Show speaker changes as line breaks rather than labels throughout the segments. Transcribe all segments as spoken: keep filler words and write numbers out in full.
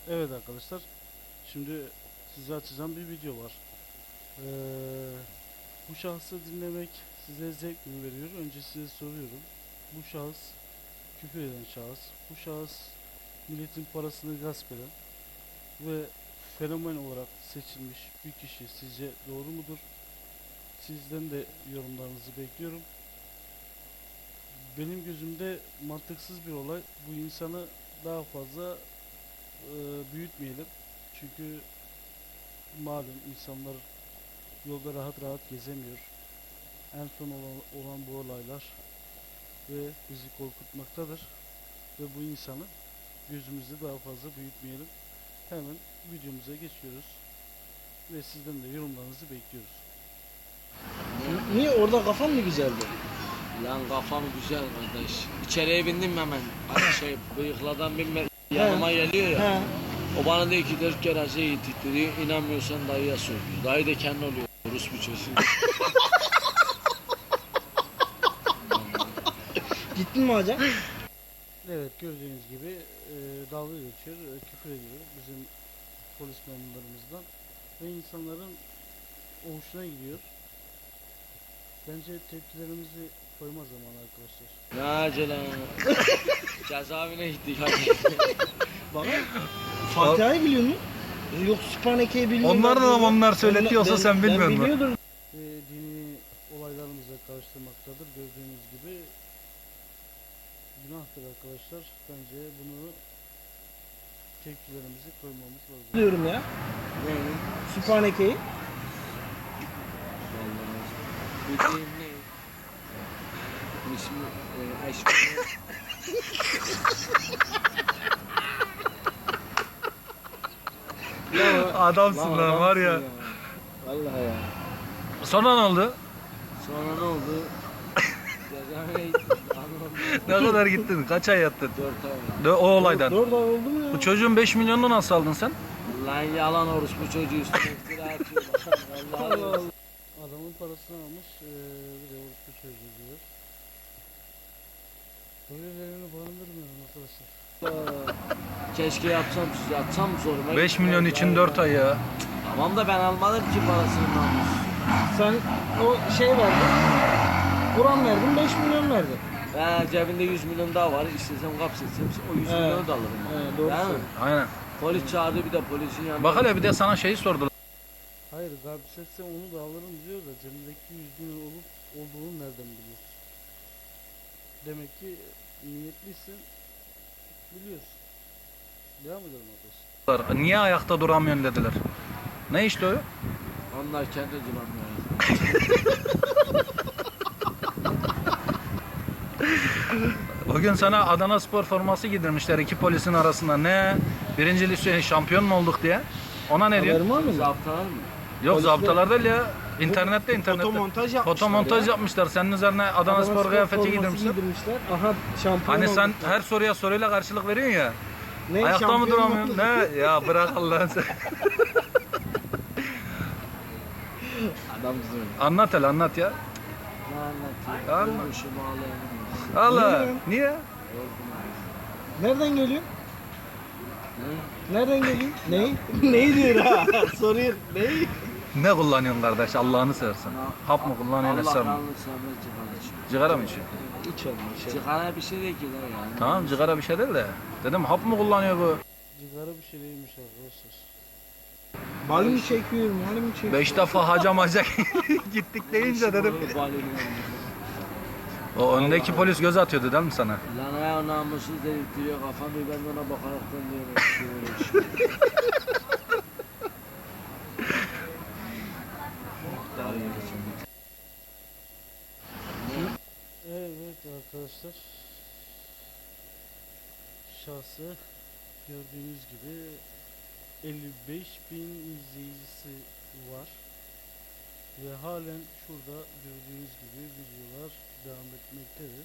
Evet arkadaşlar, şimdi size açacağım bir video var. Ee, Bu şahsı dinlemek size zevk mi veriyor? Önce size soruyorum. Bu şahıs küfür eden şahıs, bu şahıs milletin parasını gasp eden ve fenomen olarak seçilmiş bir kişi sizce doğru mudur? Sizden de yorumlarınızı bekliyorum. Benim gözümde mantıksız bir olay. Bu insanı daha fazla e, büyütmeyelim. Çünkü malum insanlar yolda rahat rahat gezemiyor. En son olan, olan bu olaylar ve bizi korkutmaktadır. Ve bu insanı gözümüzde daha fazla büyütmeyelim. Hemen videomuza geçiyoruz. Ve sizden de yorumlarınızı bekliyoruz.
Niye orada kafan mı güzeldi?
Lan kafam güzel kardeş. İçeriye bindim hemen. Hani şey bıyıkladan binme yanıma geliyor ya.
He.
O bana diyor ki dört kere şey gittik dedi. İnanmıyorsan dayıya sor diyor. Dayı da kendi oluyor. Rus bir çocuğu.
Gittin mi hocam?
Evet, gördüğünüz gibi e, dalga geçiyor, e, küfür ediyor bizim polis memurlarımızdan ve insanların hoşuna gidiyor. Bence tepkilerimizi koyma zamanı arkadaşlar.
Ne acele. Cezaevine gittik hadi.
Bana Fatiha'yı biliyor musun? Yok Sübhaneke'yi biliyor musun?
Onlar da onlar söyletiyorsa sen bilmiyor
Ben
musun?
biliyordum.
Ve dini olaylarımıza karıştırmaktadır. Gördüğünüz gibi günahtır arkadaşlar. Bence bunu tepkilerimizi koymamız lazım.
Diyorum ya.
Ne?
Sübhaneke'yi.
Vallahi. Bildiğin ne? İsmi e, eşmi.
Adamsın lan var ya.
Vallahi ya.
Sonra ne oldu?
Sonra ne oldu? Cezaevine gittik. Anladım.
Ne kadar gittin? Kaç ay yattın?
Dört ay.
De, o olaydan.
Dört ay oldu mu ya?
Bu çocuğun beş milyonunu nasıl aldın sen?
Lan yalan orospu çocuğu üstüne iftira atıyor. Vallahi
Allah Allah.
Adamın parasını almış, eee bir de orospu çocuğu diyor. Böylelerini barındırmıyorum arkadaşlar.
keşke yapsam siz yatsam zoruma.
beş
gitti.
milyon için dört ay ya.
Tamam da ben almadım ki parasını namus.
Sen o şey verdin. Kur'an verdin beş milyon verdin.
Ben cebinde yüz milyon daha var. İstesem kapsetsem o yüz
Evet.
milyonu da alırım.
Evet, doğru
Değil mi?
söylüyorsun.
Aynen.
Polis çağırdı bir de polisin yanına.
Bak hele bir de sana şeyi sordular.
Hayır, garbisetse onu da alırım diyor da cebindeki yüz bin olup olduğunu nereden biliyorsun? Demek ki niyetliysin, biliyorsun. Devam edelim arkadaşlar.
Niye ayakta duramıyorsun dediler. Ne işte o?
Onlar kendi duramıyor.
O gün sana Adana Spor forması giydirmişler iki polisin arasında. Ne? Birinci lise şampiyon mu olduk diye. Ona ne diyor?
Haberin var mı?
Zaptalar mı?
Yok
Polisler-
zabıtalar değil ya. İnternette internette.
Fotomontaj yapmışlar
Fotomontaj
ya.
yapmışlar. Senin üzerine Adana,
Adana
Spor kıyafeti
forması
giydirmişler.
giydirmişler. Aha şampiyon
Hani sen
olduk.
her soruya soruyla karşılık veriyorsun ya.
Ne,
Ayakta mı
şampiyon
duramıyorsun?
olduk?
Ne? Ya bırak Allah'ını sen.
Adam güzel.
Anlat hele anlat ya.
Ne anlatıyor?
Anlat.
Ölmüşü bağlayanım.
Allah.
Niye?
Niye?
Nereden geliyor? Nereden geliyor? Neyi? Neyi diyor ha? Soruyor. Neyi?
Ne kullanıyorsun kardeş Allah'ını seversen? Hap mı kullanıyorsun
Allah
esrar mı?
kanlı sevmez cigara içiyor.
Cigara mı içiyorsun?
İç olmuş ya.
Cigara bir şey değil ki lan yani.
Tamam cigara bir şey değil de. Dedim hap mı kullanıyor bu?
Cigara bir şey değilmiş arkadaşlar.
Mal mı çekiyor? Mal mı çekiyor?
Beş defa hacam hacak gittik deyince dedim.
Bu balonu.
O öndeki polis göz atıyordu değil mi sana?
Lan ayağı namussuz dedirtiyor kafamı ben de ona bakaraktan diyorum. Şöyle şey. Daha iyi geçin.
Evet arkadaşlar. Şahsı gördüğünüz gibi elli beş bin izleyicisi var. Ve halen şurada gördüğünüz gibi videolar devam etmektedir.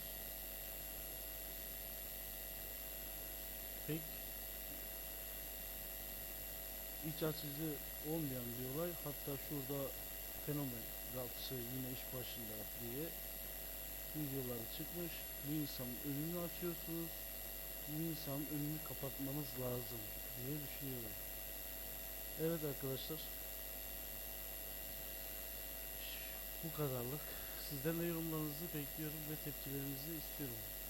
Pek iç açıcı olmayan bir olay. Hatta şurada fenomen rapçı yine iş başında diye videoları çıkmış. Bu insanın önünü açıyorsunuz. Bu insanın önünü kapatmanız lazım diye düşünüyorum. Evet arkadaşlar. Bu kadarlık. Sizden de yorumlarınızı bekliyorum ve tepkilerinizi istiyorum.